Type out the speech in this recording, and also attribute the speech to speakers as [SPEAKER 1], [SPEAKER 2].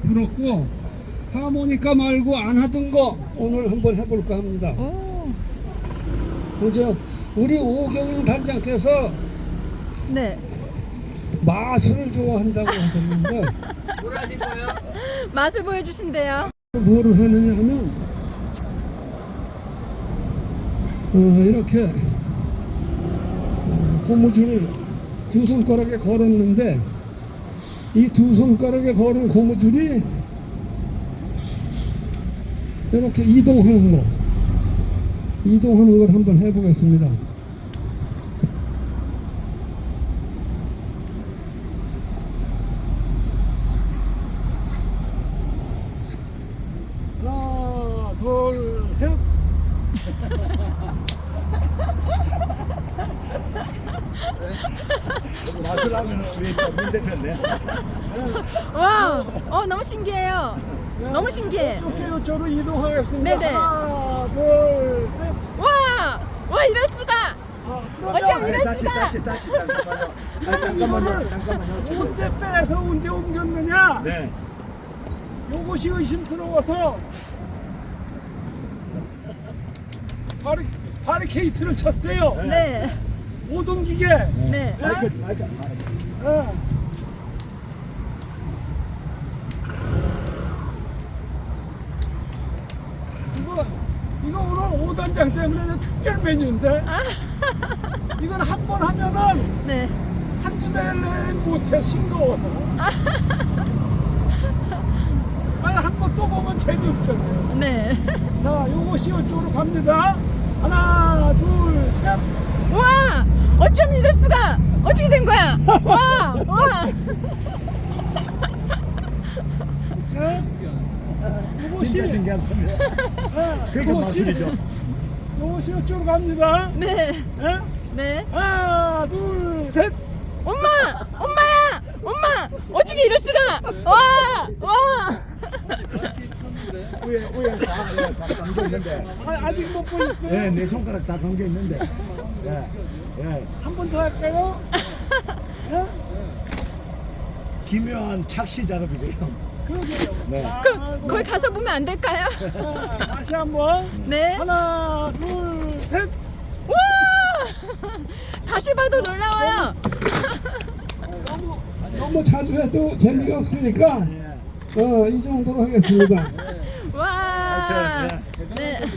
[SPEAKER 1] 불었고 하모니카 말고 안 하던 거 오늘 한번 해볼까 합니다. 그죠? 우리 오경영 단장께서
[SPEAKER 2] 네.
[SPEAKER 1] 마술을 좋아한다고 하셨는데
[SPEAKER 2] 맛을 보여주신대요.
[SPEAKER 1] 뭐를 하느냐 하면 이렇게 고무줄을 두 손가락에 걸었는데 이 두 손가락에 걸은 고무줄이 이렇게 이동하는 걸 한번 해보겠습니다. 하나, 둘, 셋.
[SPEAKER 3] 마술하면 우리 민 대표인데.
[SPEAKER 2] 와, 너무 신기해요. 너무 신기해.
[SPEAKER 1] 이쪽으로 이동하겠습니다.
[SPEAKER 2] 네네.
[SPEAKER 1] 하나, 둘, 셋.
[SPEAKER 2] 와, 이럴 수가. 어쩜 이럴
[SPEAKER 3] 다시
[SPEAKER 2] 수가.
[SPEAKER 3] 잠깐만요.
[SPEAKER 1] 언제 빼서 언제 옮겼느냐?
[SPEAKER 3] 네.
[SPEAKER 1] 요것이 의심스러워서 바리케이트를 쳤어요.
[SPEAKER 2] 네.
[SPEAKER 1] 못 옮기게.
[SPEAKER 2] 네.
[SPEAKER 3] 마이크.
[SPEAKER 1] 예. 이거 오늘 5단장 때문에 특별 메뉴인데 이건 한 번 하면은
[SPEAKER 2] 네.
[SPEAKER 1] 한 주 내내 못해 싱거워서. 아니 한 번 또 보면 재미없잖아요.
[SPEAKER 2] 네.
[SPEAKER 1] 자, 요것이 이쪽으로 갑니다. 하나, 둘, 셋.
[SPEAKER 2] 와, 어쩜 이럴 수가. 어떻게 된 거야? 와.
[SPEAKER 1] 네?
[SPEAKER 3] 진짜 신기한 겁니다. 그게 마술이죠.
[SPEAKER 1] 요것이 이쪽으로 갑니다.
[SPEAKER 2] 네.
[SPEAKER 1] 네?
[SPEAKER 2] 네.
[SPEAKER 1] 하나, 둘, 셋.
[SPEAKER 2] 엄마야. 엄마. 어떻게 이럴 수가. 와.
[SPEAKER 3] 위에 다 감겨 있는데.
[SPEAKER 1] 아직 못 보셨어요?
[SPEAKER 3] 네, 내 손가락 다 감겨 있는데. 예.
[SPEAKER 1] 한 번 더 할까요? 네?
[SPEAKER 3] 기묘한 착시 작업이래요.
[SPEAKER 1] 그러게요.
[SPEAKER 3] 네.
[SPEAKER 1] 자,
[SPEAKER 2] 거기 가서 보면 안 될까요?
[SPEAKER 1] 자, 다시 한번.
[SPEAKER 2] 네.
[SPEAKER 1] 하나, 둘, 셋.
[SPEAKER 2] 와. 다시 봐도 놀라워요.
[SPEAKER 1] 너무 자주 해도 재미가 없으니까 이 정도로 하겠습니다.
[SPEAKER 2] 와. 네.